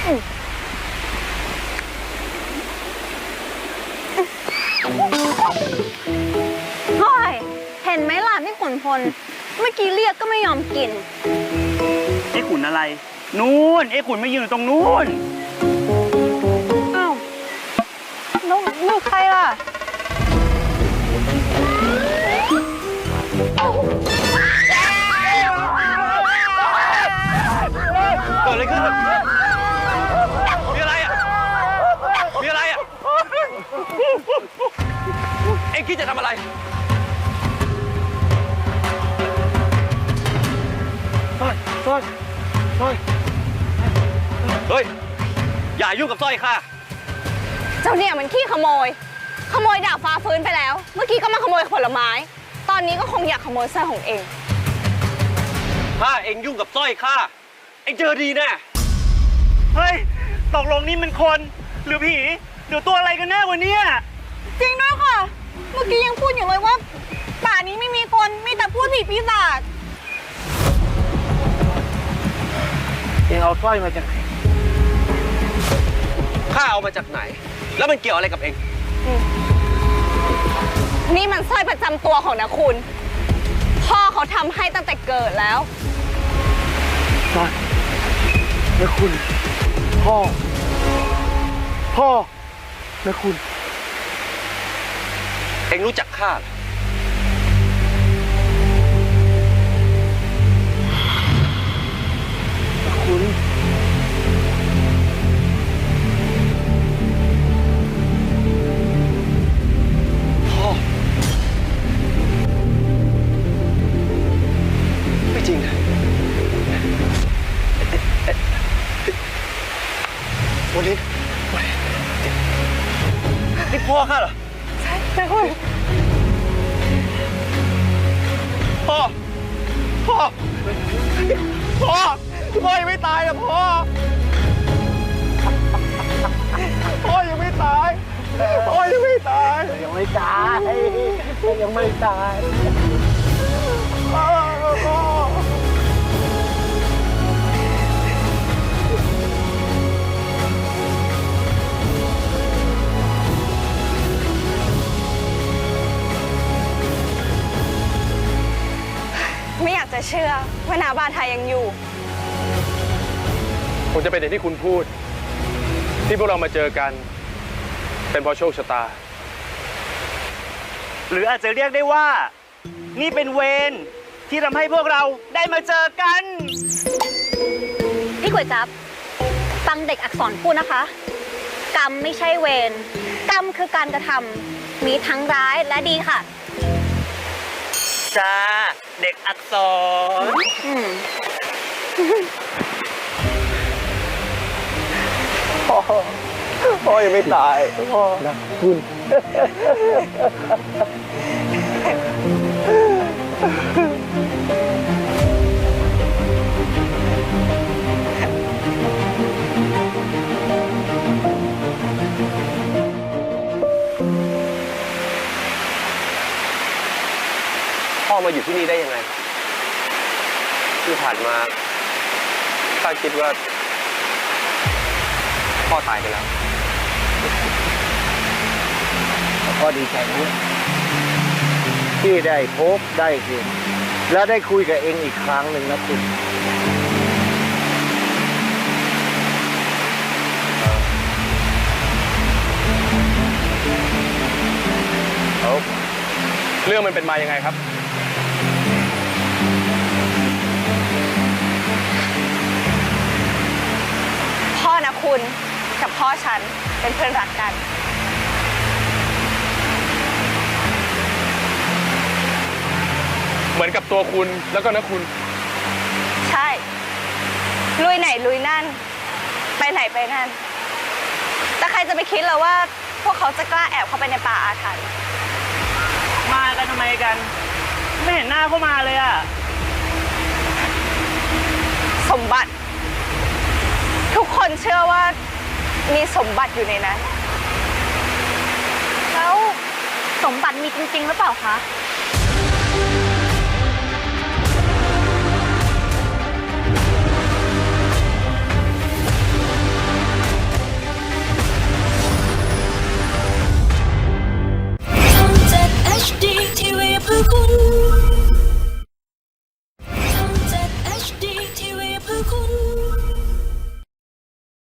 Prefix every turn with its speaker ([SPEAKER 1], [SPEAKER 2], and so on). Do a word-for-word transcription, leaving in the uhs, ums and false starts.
[SPEAKER 1] เฮ้ยเห็นไหมล่ะพี่ขุนพลเมื่อกี้เรียกก็ไม่ยอมกิน
[SPEAKER 2] ไอ้ขุนอะไรนู่นไอ้ขุนไม่ยืนอยู่ตรงนู้น
[SPEAKER 1] อ้าวแล้วนี่ใครล่ะ
[SPEAKER 3] เกิดอะไรขึ้นมีอะไรอ่ะมีอะไรอ่ะเอ็งคิดจะทำอะไรสร้อยสร้อยสร้อยเฮ้ยอย่ายุ่งกับสร้อยข้า
[SPEAKER 1] เจ้าเนี่ยมันขี้ขโมยขโมยดาบฟ้าฟื้นไปแล้วเมื่อกี้ก็มาขโมยผลไม้ตอนนี้ก็คงอยากขโมยสร้อยของเอง
[SPEAKER 3] ถ้าเอ็งยุ่งกับสร้อยข้าเอ็งเจอดีแน่
[SPEAKER 2] เฮ้ยตกลงนี่มันคนหรือผีหรือตัวอะไรกันแน่วะเนี่ย
[SPEAKER 1] จริงด้วยค่ะเมื่อกี้ยังพูดอยู่เลยว่าป่านี้ไม่มีคนมีแต่พูดผีปีศาจ
[SPEAKER 4] เอ็งเอาสร้อยมาจากไหน
[SPEAKER 3] ข้าเอามาจากไหนแล้วมันเกี่ยวอะไรกับเอ็ง
[SPEAKER 1] นี่มันสร้อยประจำตัวของนะคุณพ่อเขาทำให้ตั้งแต่เกิดแล้ว
[SPEAKER 4] สร้อยนะคุณพ่อพ่อนะคุณ
[SPEAKER 3] เอ็งรู้จักข้าเหรอ
[SPEAKER 4] คุณ
[SPEAKER 3] พ่อไม่จริงนะวันนี้วันนี้นี่พ่อข้าเหรอ
[SPEAKER 1] ใช่ใช่คุณ
[SPEAKER 3] พ่อพ่อพ่อพ่อยังไม่ตายนะพ่อพ่อยังไม่ตายพ่อยังไม่ตาย
[SPEAKER 4] ยังไม่ตายยังไม่ตาย
[SPEAKER 3] พ่อพ่อ
[SPEAKER 1] ไม่อยากจะเชื่อว่านาบาไทยยังอยู่
[SPEAKER 5] คงจะเป็นอย่างที่คุณพูดที่พวกเรามาเจอกันเป็นเพราะโชคชะตา
[SPEAKER 2] หรืออาจจะเรียกได้ว่านี่เป็นเวรที่ทำให้พวกเราได้มาเจอกัน
[SPEAKER 1] พี่ก๋วยจั๊บฟังเด็กอักษรพูดนะคะกรรมไม่ใช่เวรกรรมคือการกระทำมีทั้งร้ายและดีค่ะ
[SPEAKER 2] จ้าเด็กอักษร
[SPEAKER 3] พ่อพ่อยังไม่ตายพ่อ
[SPEAKER 4] นะคุณ
[SPEAKER 3] พ่อมาอยู่ที่นี่ได้ยังไงที่ผ่านมาข้าคิดว่าพ่อตายไปแล้ว
[SPEAKER 4] พ่อดีใจด้วยที่ได้พบได้เห็นแล้วได้คุยกับเองอีกครั้งหนึ่งนะคุณ
[SPEAKER 5] เอาเรื่องมันเป็นมายังไงครับ
[SPEAKER 1] พ่อนะคุณกับพ่อฉันเป็นเพื่อนรักกัน
[SPEAKER 5] เหมือนกับตัวคุณแล้วก็นะคุณ
[SPEAKER 1] ใช่ลุยไหนลุยนั่นไปไหนไปนั่นแต่ใครจะไปคิดล่ะว่าพวกเขาจะกล้าแอบเข้าไปในป่าอาถรรพ์
[SPEAKER 2] มากันทำไมกันไม่เห็นหน้าเข้ามาเลยอะ
[SPEAKER 1] สมบัติทุกคนเชื่อว่ามีสมบัติอยู่ในนั้นแล้วสมบัติมีจริงๆหรือเปล่าคะ
[SPEAKER 6] คุณ